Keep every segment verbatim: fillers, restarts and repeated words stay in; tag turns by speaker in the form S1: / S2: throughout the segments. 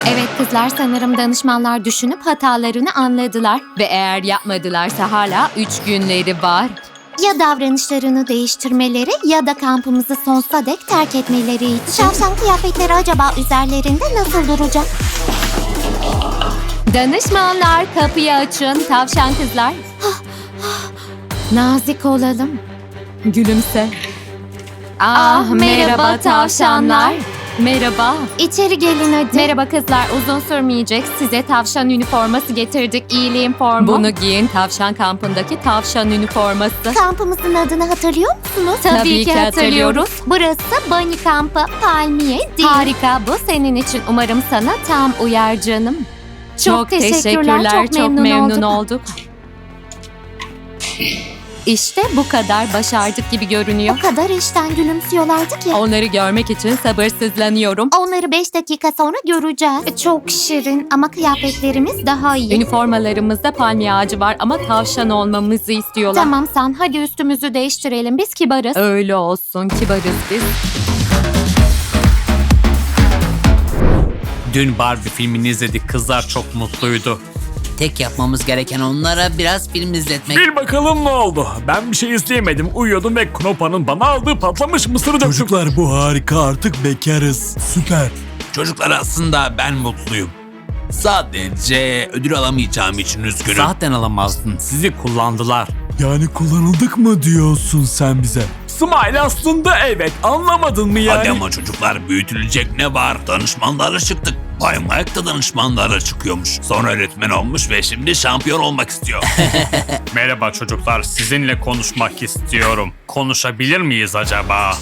S1: Evet kızlar, sanırım danışmanlar düşünüp hatalarını anladılar. Ve eğer yapmadılarsa hala üç günleri var.
S2: Ya davranışlarını değiştirmeleri ya da kampımızı sonsuza dek terk etmeleri için. Tavşan kıyafetleri acaba üzerlerinde nasıl duracak?
S1: Danışmanlar, kapıyı açın. Tavşan kızlar. Nazik olalım. Gülümse. Ah,
S2: Ah,
S1: merhaba,
S2: merhaba
S1: tavşanlar. Merhaba.
S2: İçeri gelin hadi.
S1: Merhaba kızlar, uzun sürmeyecek. Size tavşan üniforması getirdik, iyiliğin formu. Bunu giyin, tavşan kampındaki tavşan üniforması.
S2: Kampımızın adını hatırlıyor musunuz?
S1: Tabii ki hatırlıyoruz.
S2: Burası Bunny kampı, palmiye değil.
S1: Harika, bu senin için. Umarım sana tam uyar canım.
S2: Çok teşekkürler, çok memnun
S1: olduk. İşte bu kadar, başardık gibi görünüyor.
S2: O kadar işten gülümsüyorlardı ki.
S1: Onları görmek için sabırsızlanıyorum.
S2: Onları beş dakika sonra göreceğiz. Çok şirin ama kıyafetlerimiz daha iyi.
S1: Üniformalarımızda palmiye ağacı var ama tavşan olmamızı istiyorlar.
S2: Tamam San, hadi üstümüzü değiştirelim. Biz kibarız.
S1: Öyle olsun, kibarız biz.
S3: Dün Barbie filmini izledik. Kızlar çok mutluydu.
S4: Tek yapmamız gereken onlara biraz film izletmek.
S3: Bir bakalım ne oldu? Ben bir şey izleyemedim. Uyuyordum ve Knopa'nın bana aldığı patlamış mısırı döktüm.
S5: Çocuklar bu harika, artık bekarız. Süper.
S6: Çocuklar, aslında ben mutluyum. Sadece ödül alamayacağım için üzgünüm.
S3: Zaten alamazdın. Sizi kullandılar.
S5: Yani kullanıldık mı diyorsun sen bize?
S3: Smile aslında evet. Anlamadın mı yani?
S6: Hadi ama çocuklar, büyütülecek ne var? Danışmanlara çıktık. Bay Mike da danışmanlara çıkıyormuş. Sonra öğretmen olmuş ve şimdi şampiyon olmak istiyor.
S3: Merhaba çocuklar. Sizinle konuşmak istiyorum. Konuşabilir miyiz acaba?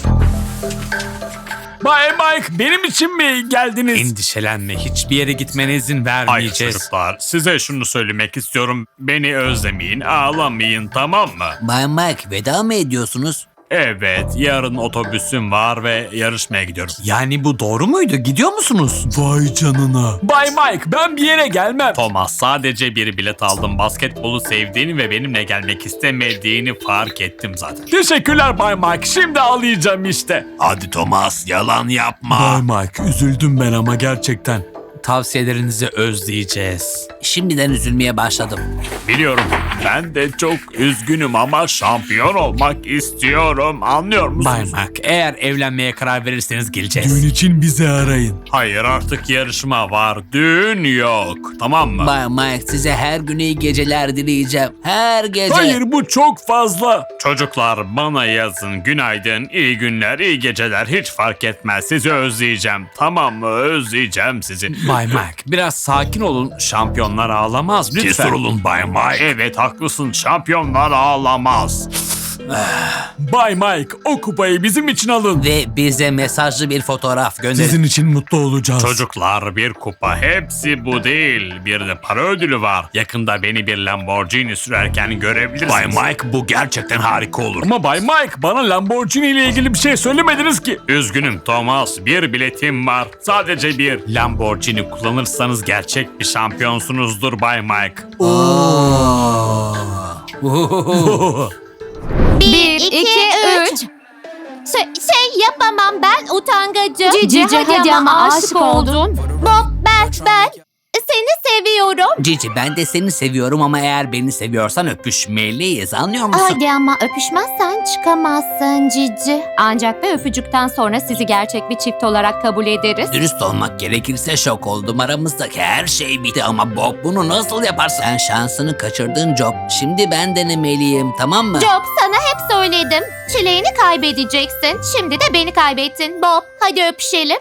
S3: Bay Mike, benim için mi geldiniz? Endişelenme. Hiçbir yere gitmene izin vermeyeceğiz. Hayır çocuklar. Size şunu söylemek istiyorum. Beni özlemeyin, ağlamayın, tamam mı?
S4: Bay Mike, veda mı ediyorsunuz?
S3: Evet, yarın otobüsüm var ve yarışmaya gidiyorum.
S6: Yani bu doğru muydu? Gidiyor musunuz?
S5: Vay canına.
S3: Bay Mike, ben bir yere gelmem. Thomas, sadece bir bilet aldım. Basketbolu sevdiğini ve benimle gelmek istemediğini fark ettim zaten. Teşekkürler Bay Mike. Şimdi ağlayacağım işte.
S6: Hadi Thomas, yalan yapma.
S5: Bay Mike, üzüldüm ben ama gerçekten.
S3: Tavsiyelerinizi özleyeceğiz.
S4: Şimdiden üzülmeye başladım.
S3: Biliyorum, ben de çok üzgünüm ama şampiyon olmak istiyorum. Anlıyor musunuz?
S6: Bay Mike, eğer evlenmeye karar verirseniz geleceğiz.
S5: Düğün için bizi arayın.
S3: Hayır, artık yarışma var. Düğün yok. Tamam mı?
S4: Bay Mike, size her gün iyi geceler dileyeceğim. Her gece.
S3: Hayır, bu çok fazla. Çocuklar, bana yazın. Günaydın, iyi günler, iyi geceler. Hiç fark etmez. Sizi özleyeceğim. Tamam mı? Özleyeceğim sizi.
S6: Bay Mike, biraz sakin olun.
S3: Şampiyonlar ağlamaz lütfen.
S6: Cesur olun Bay Mike.
S3: Evet, haklısın. Şampiyonlar ağlamaz. Bay Mike, o kupayı bizim için alın.
S4: Ve bize mesajlı bir fotoğraf gönderin.
S5: Sizin için mutlu olacağız.
S3: Çocuklar, bir kupa, hepsi bu değil. Bir de para ödülü var. Yakında beni bir Lamborghini sürerken görebilirsiniz.
S6: Bay Mike, bu gerçekten harika olur.
S3: Ama Bay Mike, bana Lamborghini ile ilgili bir şey söylemediniz ki. Üzgünüm Thomas, bir biletim var. Sadece bir. Lamborghini kullanırsanız gerçek bir şampiyonsunuzdur Bay Mike.
S2: Bir, iki, üç. Şey, şey yapamam, ben utangacım.
S1: Cici, hadi ama aşık oldun.
S2: Bob, ben, ben seni seviyorum.
S4: Cici, ben de seni seviyorum ama eğer beni seviyorsan öpüşmeliyiz, anlıyor musun?
S2: Hadi ama öpüşmezsen çıkamazsın Cici.
S1: Ancak bir öpücükten sonra sizi gerçek bir çift olarak kabul ederiz.
S4: Dürüst olmak gerekirse şok oldum. Aramızdaki her şey bitti ama Bob bunu nasıl yaparsın? Sen şansını kaçırdın Job. Şimdi ben denemeliyim, tamam mı?
S2: Job, sana hep söyledim. Çileğini kaybedeceksin. Şimdi de beni kaybettin. Bob, hadi öpüşelim.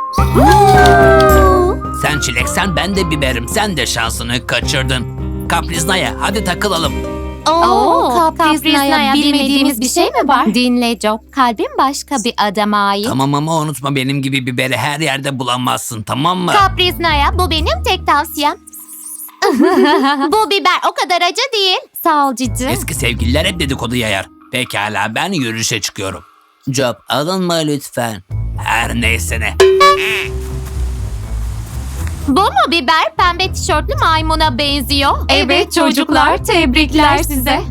S4: Sen çileksen ben de biberim. Sen de şansını kaçırdın. Kapriznaya, hadi takılalım.
S2: Oo, Kaprizna'ya bilmediğimiz bir şey mi var?
S1: Dinle Job, kalbim başka bir adama ait.
S4: Tamam ama unutma, benim gibi biberi her yerde bulamazsın, tamam mı?
S2: Kaprizna'ya, bu benim tek tavsiyem. Bu biber o kadar acı değil.
S1: Sağ ol Cici.
S4: Eski sevgililer hep dedikodu yayar. Pekala, ben yürüyüşe çıkıyorum. Job, alınma lütfen. Her neyse ne.
S2: Bu mu biber? Pembe tişörtlü maymuna benziyor.
S1: Evet çocuklar, tebrikler size.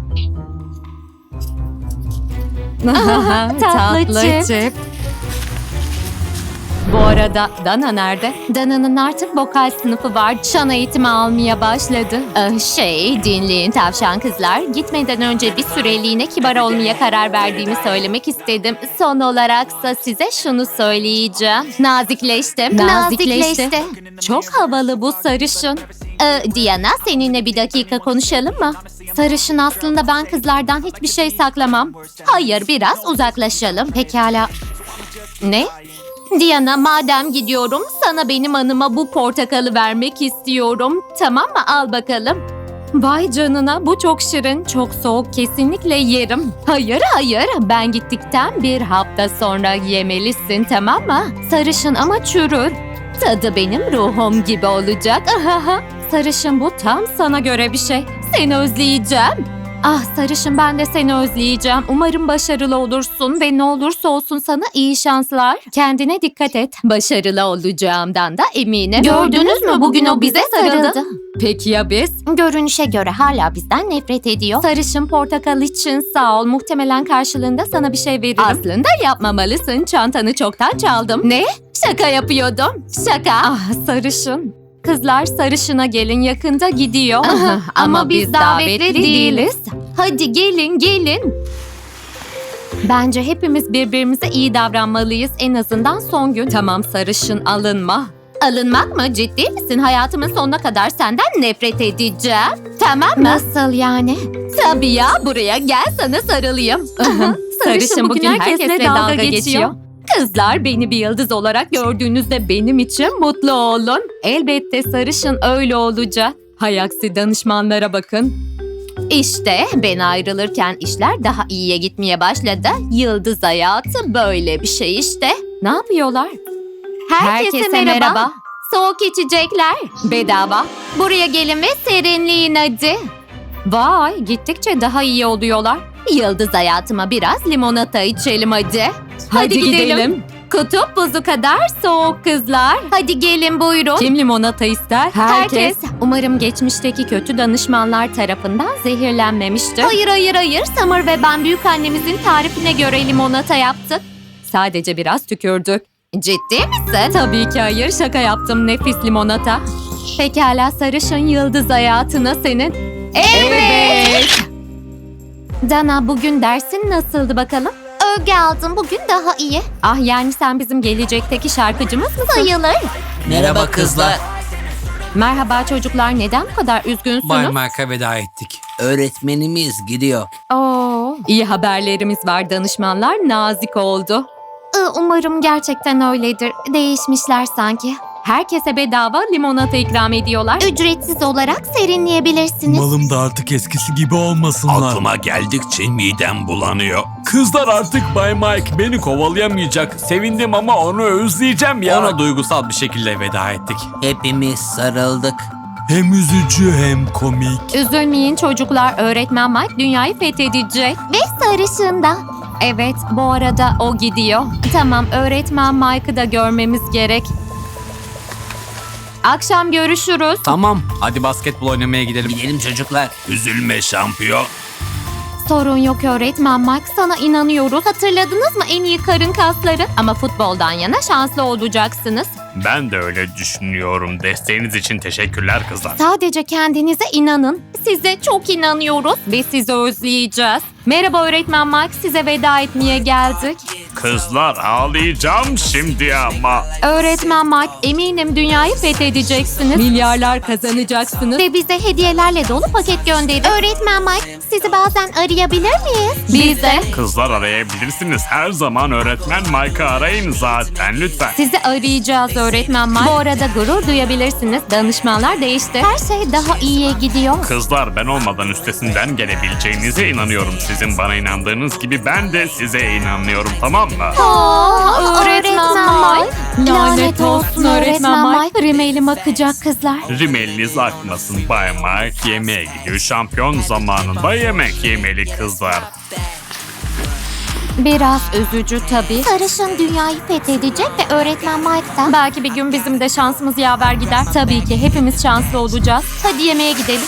S2: Tatlı çift.
S1: Bu arada Dana nerede? Dana'nın artık vokal sınıfı var. Şan eğitimi almaya başladı. Ah, şey dinleyin tavşan kızlar. Gitmeden önce bir süreliğine kibar olmaya karar verdiğimi söylemek istedim. Son olaraksa size şunu söyleyeceğim. Nazikleştim.
S2: Nazikleşti.
S1: Çok havalı bu sarışın. Ee, Diana seninle bir dakika konuşalım mı? Sarışın aslında ben kızlardan hiçbir şey saklamam. Hayır biraz uzaklaşalım. Pekala. Ne? Diana madem gidiyorum sana benim anıma bu portakalı vermek istiyorum. Tamam mı? Al bakalım. Vay canına bu çok şirin, çok soğuk kesinlikle yerim. Hayır hayır ben gittikten bir hafta sonra yemelisin tamam mı? Sarışın ama çürür. Tadı benim ruhum gibi olacak. Ahaha. Sarışın bu tam sana göre bir şey. Seni özleyeceğim. Ah sarışın ben de seni özleyeceğim. Umarım başarılı olursun ve ne olursa olsun sana iyi şanslar. Kendine dikkat et. Başarılı olacağımdan da eminim.
S2: Gördünüz mü? Bugün o bize sarıldı.
S1: Peki ya biz?
S2: Görünüşe göre hala bizden nefret ediyor.
S1: Sarışın portakal için sağ ol. Muhtemelen karşılığında sana bir şey veririm. Aslında yapmamalısın. Çantanı çoktan çaldım. Ne? Şaka yapıyordum. Şaka. Ah sarışın. Kızlar sarışına gelin yakında gidiyor.
S2: Aha, ama biz davetli değiliz.
S1: Hadi gelin gelin. Bence hepimiz birbirimize iyi davranmalıyız en azından son gün. Tamam sarışın alınma. Alınmak mı? Ciddi misin? Hayatımın sonuna kadar senden nefret edeceğim. Tamam mı?
S2: Nasıl yani?
S1: Tabii ya buraya gel sana sarılayım. Sarışın bugün herkesle dalga geçiyor. Kızlar beni bir yıldız olarak gördüğünüzde benim için mutlu olun. Elbette sarışın öyle olacak. Hay aksi danışmanlara bakın. İşte ben ayrılırken işler daha iyiye gitmeye başladı. Yıldız hayatı böyle bir şey işte. Ne yapıyorlar?
S2: Herkese merhaba.
S1: Soğuk içecekler bedava. Buraya gelin ve serinleyin hadi. Vay gittikçe daha iyi oluyorlar. Yıldız hayatıma biraz limonata içelim hadi. Hadi, gidelim. Kutup buzu kadar soğuk kızlar. Hadi gelin buyurun. Kim limonata ister? Herkes. Umarım geçmişteki kötü danışmanlar tarafından zehirlenmemiştir. Hayır hayır hayır. Summer ve ben büyük annemizin tarifine göre limonata yaptık. Sadece biraz tükürdük. Ciddi misin? Tabii ki hayır. Şaka yaptım. Nefis limonata. Pekala sarışın yıldız hayatına senin. Evet. Dana bugün dersin nasıldı bakalım?
S2: Övgü aldım. Bugün daha iyi.
S1: Ah yani sen bizim gelecekteki şarkıcımız mısın?
S2: Sayılır.
S4: Merhaba kızlar.
S1: Merhaba çocuklar neden bu kadar üzgünsünüz?
S5: Bay Mark'a veda ettik.
S4: Öğretmenimiz gidiyor.
S1: Oo, iyi haberlerimiz var danışmanlar nazik oldu.
S2: Ee, Umarım gerçekten öyledir. Değişmişler sanki.
S1: Herkese bedava limonata ikram ediyorlar.
S2: Ücretsiz olarak serinleyebilirsiniz.
S5: Umalım da artık eskisi gibi olmasınlar.
S6: Aklıma geldikçe midem bulanıyor.
S3: Kızlar artık Bay Mike beni kovalayamayacak. Sevindim ama onu özleyeceğim ya.
S5: Ona duygusal bir şekilde veda ettik.
S4: Hepimiz sarıldık.
S5: Hem üzücü hem komik.
S1: Üzülmeyin çocuklar öğretmen Mike dünyayı fethedecek.
S2: Ve sarışında.
S1: Evet bu arada o gidiyor. Tamam öğretmen Mike'ı da görmemiz gerek. Akşam görüşürüz.
S5: Tamam, hadi basketbol oynamaya gidelim.
S4: Gidelim çocuklar.
S6: Üzülme şampiyon.
S1: Sorun yok öğretmen Mike sana inanıyoruz. Hatırladınız mı en iyi karın kasları? Ama futboldan yana şanslı olacaksınız.
S3: Ben de öyle düşünüyorum. Desteğiniz için teşekkürler kızlar.
S1: Sadece kendinize inanın. Size çok inanıyoruz ve sizi özleyeceğiz. Merhaba öğretmen Mike size veda etmeye geldik.
S3: Kızlar ağlayacağım şimdi ama.
S1: Öğretmen Mike eminim dünyayı fethedeceksiniz. Milyarlar kazanacaksınız.
S2: Ve bize hediyelerle dolu paket gönderin. Öğretmen Mike, sizi bazen arayabilir miyiz?
S1: Biz de
S3: Kızlar arayabilirsiniz. Her zaman öğretmen Mike'ı arayın zaten lütfen.
S1: sizi arayacağız öğretmen Mike. Bu arada gurur duyabilirsiniz. Danışmanlar değişti.
S2: Her şey daha iyiye gidiyor.
S3: Kızlar ben olmadan üstesinden gelebileceğinize inanıyorum. Sizin bana inandığınız gibi ben de size inanıyorum tamam mı?
S2: Aa, öğretmen Mike.
S1: Lanet olsun öğretmen Mike. Rimelim akacak kızlar.
S3: Rimeliniz akmasın Bay Mike. Yemeğe gidiyor. Şampiyon zamanında yemek yemeli kızlar.
S1: Biraz üzücü tabii.
S2: Sarışın dünyayı fethedecek ve öğretmen Mike da.
S1: Belki bir gün bizim de şansımız yaver gider. Tabii ki hepimiz şanslı olacağız. Hadi yemeğe gidelim.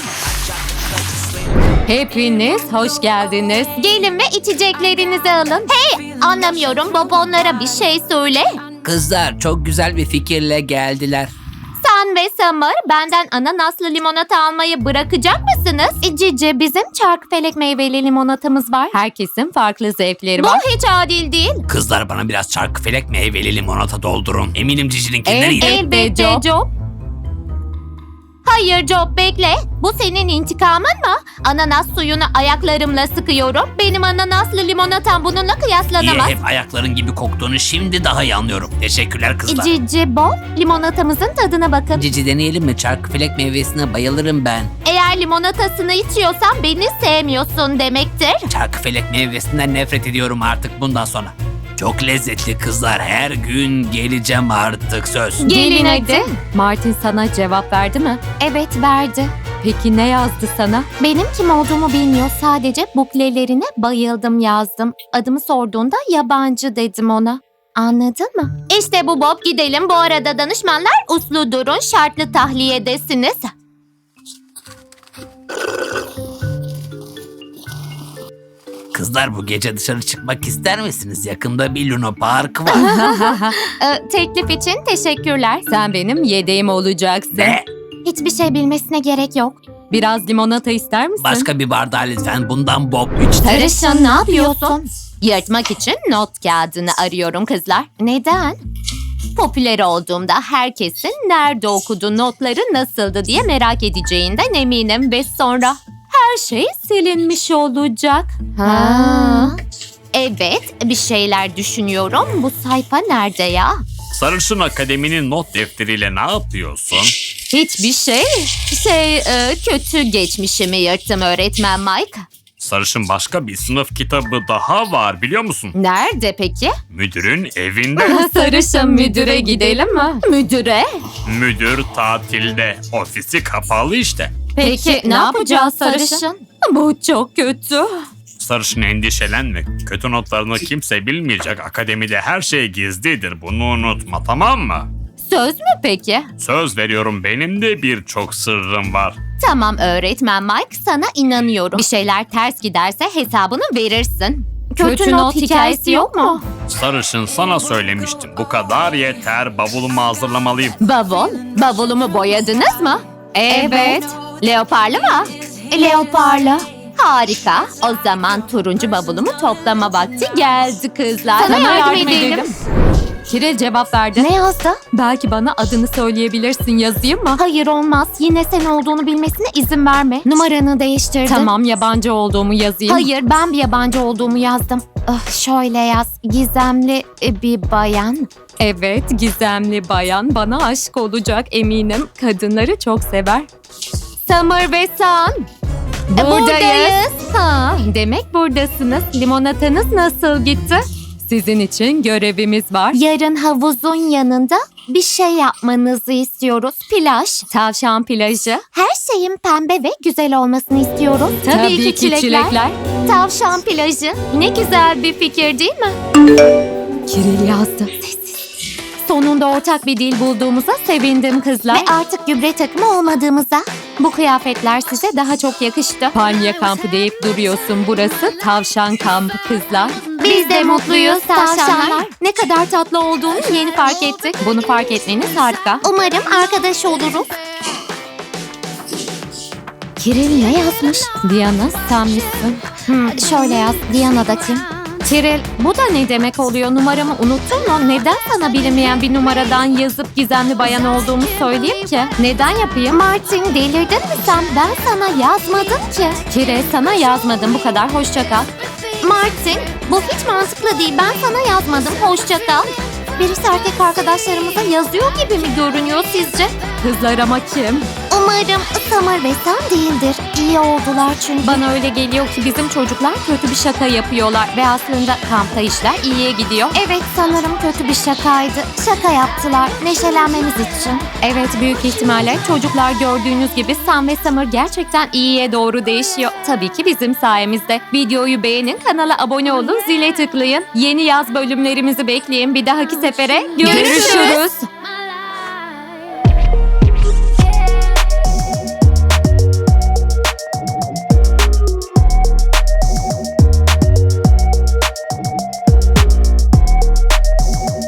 S1: Hepiniz hoş geldiniz. Gelin ve içeceklerinizi alın.
S2: Hey, anlamıyorum. Baba onlara bir şey söyle.
S4: Kızlar çok güzel bir fikirle geldiler.
S1: Sen ve Summer benden ananaslı limonata almayı bırakacak mısınız?
S2: E, Cici, bizim çarkıfelek meyveli limonatamız var.
S1: Herkesin farklı zevkleri var. Bu hiç adil değil.
S4: Kızlar bana biraz çarkıfelek meyveli limonata doldurun. Eminim Cici'ninkinden iyidir.
S1: Elbette Job. Hayır Job, bekle. Bu senin intikamın mı? Ananas suyunu ayaklarımla sıkıyorum. Benim ananaslı limonatam bununla
S4: Niye
S1: kıyaslanamaz.
S4: hep ayakların gibi koktuğunu şimdi daha iyi anlıyorum. Teşekkürler
S2: E,
S4: kızlar.
S2: Cici, Bob, limonatamızın tadına bakın.
S4: Cici deneyelim mi? Çarkıfelek meyvesine bayılırım ben.
S1: Eğer limonatasını içiyorsan beni sevmiyorsun demektir.
S4: Çarkıfelek meyvesinden nefret ediyorum artık bundan sonra. Çok lezzetli kızlar. Her gün geleceğim artık söz.
S1: Gelin hadi. Martin sana cevap verdi mi?
S2: Evet, verdi.
S1: Peki ne yazdı sana?
S2: Benim kim olduğumu bilmiyor. Sadece buklelerine bayıldım yazdım. Adımı sorduğunda yabancı dedim ona. Anladın mı?
S1: İşte bu Bob, gidelim. Bu arada danışmanlar uslu durun, şartlı tahliyedesiniz.
S4: Kızlar bu gece dışarı çıkmak ister misiniz? Yakında bir Luna Park var.
S1: Ee, teklif için teşekkürler. Sen benim yedeğim olacaksın.
S4: Ne?
S2: Hiçbir şey bilmesine gerek yok.
S1: Biraz limonata ister misin?
S4: Başka bir bardağı lütfen. Bundan Bob üçte.
S1: Sarışın, ne yapıyorsun? Yırtmak için not kağıdını arıyorum kızlar.
S2: Neden?
S1: Popüler olduğumda herkesin nerede okuduğu, notları nasıldı diye merak edeceğinden eminim ve sonra her şey silinmiş olacak.
S2: Ha.
S1: Evet, bir şeyler düşünüyorum. Bu sayfa nerede ya?
S3: Sarışın Akademi'nin not defteriyle ne yapıyorsun?
S1: Hiçbir şey. Şey, e, kötü geçmişimi yırttım öğretmen Mike.
S3: Sarışın başka bir sınıf kitabı daha var biliyor musun?
S1: Nerede peki?
S3: Müdürün evinde.
S1: Sarışın müdüre gidelim mi? Müdüre?
S3: Müdür tatilde. Ofisi kapalı işte.
S1: Peki ne yapacağız Sarışın? Bu çok kötü.
S3: Sarışın endişelenme. Kötü notlarını kimse bilmeyecek. Akademide her şey gizlidir. Bunu unutma, tamam mı?
S1: Söz mü peki?
S3: Söz veriyorum, benim de birçok sırrım var.
S1: Tamam öğretmen Mike, sana inanıyorum. Bir şeyler ters giderse hesabını verirsin.
S2: Kötü not hikayesi yok mu?
S3: Sarışın, sana söylemiştim. Bu kadar yeter. Bavulumu hazırlamalıyım.
S1: Bavul? Bavulumu boyadınız mı? Evet. Leoparlı mı?
S2: Leoparla.
S1: Harika. O zaman turuncu bavulumu toplama vakti geldi kızlar.
S2: Sana yardım edelim.
S1: Kiril cevap verdi.
S2: Ne yazdı?
S1: Belki bana adını söyleyebilirsin, yazayım mı?
S2: Hayır, olmaz. Yine sen olduğunu bilmesine izin verme. Numaranı değiştirdi.
S1: Tamam, yabancı olduğumu yazayım.
S2: Hayır, ben bir yabancı olduğumu yazdım. Ah, şöyle yaz. Gizemli e, bir bayan.
S1: Evet, gizemli bayan bana aşık olacak eminim. Kadınları çok sever. Summer ve Sun.
S2: Buradayız.
S1: Ha, demek buradasınız. Limonatanız nasıl gitti? Sizin için görevimiz var.
S2: Yarın havuzun yanında bir şey yapmanızı istiyoruz. Plaj.
S1: Tavşan plajı.
S2: Her şeyin pembe ve güzel olmasını istiyoruz.
S1: Tabii, ki çilekler.
S2: Tavşan plajı.
S1: Ne güzel bir fikir değil mi? Kiril yazdı. Sonunda ortak bir dil bulduğumuza sevindim kızlar.
S2: Ve artık gübre takımı olmadığımıza.
S1: Bu kıyafetler size daha çok yakıştı. Palmiye kampı deyip duruyorsun. Burası tavşan kampı kızlar.
S2: Biz de mutluyuz tavşanlar.
S1: Ne kadar tatlı olduğunu yeni fark ettik. Bunu fark etmeniz harika.
S2: Umarım arkadaş oluruz.
S1: Kiril ne yazmış? Diana sen misin?
S2: Hmm, şöyle yaz. Diana da kim?
S1: Kiril, bu da ne demek oluyor? Numaramı unuttun mu? Neden sana bilinmeyen bir numaradan yazıp gizemli bayan olduğumu söyleyeyim ki? Neden yapayım?
S2: Martin, delirdin mi sen? Ben sana yazmadım ki.
S1: Kiril, sana yazmadım, bu kadar. Hoşça kal.
S2: Martin, bu hiç mantıklı değil. Ben sana yazmadım. Hoşça kal. Birisi erkek arkadaşlarımıza yazıyor gibi mi görünüyor sizce?
S1: Kızlar ama kim?
S2: Umarım Summer ve Sam değildir. İyi oldular çünkü.
S1: Bana öyle geliyor ki bizim çocuklar kötü bir şaka yapıyorlar ve aslında kampta işler iyiye gidiyor.
S2: Evet, sanırım kötü bir şakaydı. Şaka yaptılar neşelenmemiz için.
S1: Evet, büyük ihtimalle çocuklar gördüğünüz gibi Sam ve Summer gerçekten iyiye doğru değişiyor. Tabii ki bizim sayemizde. Videoyu beğenin, kanala abone olun, zile tıklayın. Yeni yaz bölümlerimizi bekleyin. Bir dahaki sefere görüşürüz.
S2: Görüşürüz.